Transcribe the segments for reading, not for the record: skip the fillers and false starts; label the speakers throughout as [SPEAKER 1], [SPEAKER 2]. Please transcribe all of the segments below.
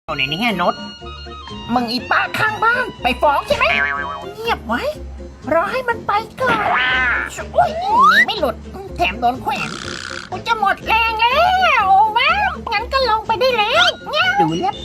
[SPEAKER 1] เอาในนี้ไงโนดมึงอีป้าข้างบ้านไปฟ้องใช่ไหมเงียบไว้รอให้มันไปก่อนอุ้ยหนีไม่หลุดแถมโดนแขวนกูจะหมดแรงแล้วว้างั้นก็ลงไปได้แล้วดูเล็บ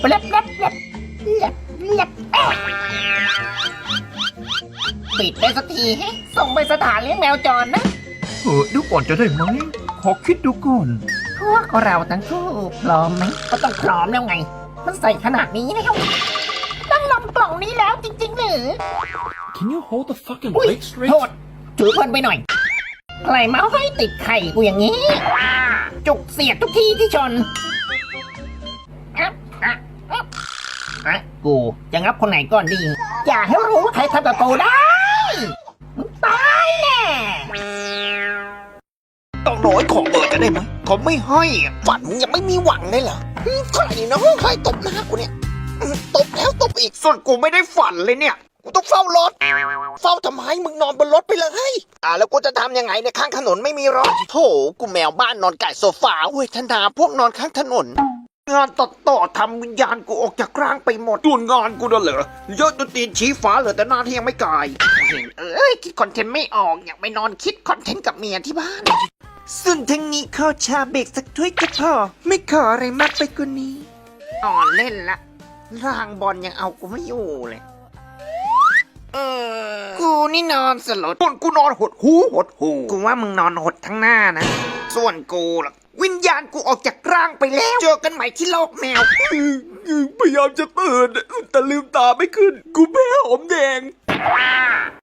[SPEAKER 1] ปิดได้สักทีส่งไปสถานเลี้ยงแมวจรนะ
[SPEAKER 2] ดูก่อนจะได้ไหมขอคิดดูก่อน
[SPEAKER 1] พวกเราทั้งคู่พร้อมไหมก็ต้องพร้อมแล้วไงมันใส่ขนาดนี้แล้วต้องลงกล่องนี้แล้วจริงๆหรือ
[SPEAKER 2] Can you hold the fucking
[SPEAKER 1] อุ้ย
[SPEAKER 2] weight straight
[SPEAKER 1] โทษถือเพลินไปหน่อยใครมาให้ติดไข่กูอย่างนี้จุกเสียดทุกทีที่ชนกูจะงับคนไหนก่อนดีอย่าให้รู้ว่าใครทำกับกูได้ตายแน่
[SPEAKER 3] ต้องน้อยขอเปิดจะได้ไหมเขาไม่ให้ฝันยังไม่มีหวังเลยเหรอใครนะใครตบหน้ากูเนี่ยตบแล้วตบอีกส่วนกูไม่ได้ฝันเลยเนี่ยกูต้องเฝ้ารถเฝ้าทำไมมึงนอนบนรถไปเลยแล้วกูจะทำยังไงเนี่ยข้างถนนไม่มีรถโถกูแมวบ้านนอนไก่โซฟาเว้ยธนาพวกนอนข้างถนนงานต่อทำวิญญาณกูออกจากร่างไปหมดส่วนงานกูน่ะเหรอเยอะจนตีนชี้ฟ้าเหลือแต่หน้าที่ยังไม่กายเห็นคิดคอนเทนต์ไม่ออกอยากไปนอนคิดคอนเทนต์กับเมียที่บ้านส่วนทั้งนี้ขอชาเบรกสักถ้วยก็พอไม่ขออะไรมากไปกว่านี้อ่อนเล่นละร่างบอลยังเอากูไม่อยู่เลยกูนี่นอนสลดส่วนกูนอนหดหูกูว่ามึงนอนหดทั้งหน้านะส่วนกูล่ะวิญญาณกูออกจากร่างไปแล้วเจอกันใหม่ที่โลกแมว
[SPEAKER 2] พยายามจะตื่นแต่ลืมตาไม่ขึ้น กูแพ้หอมแดง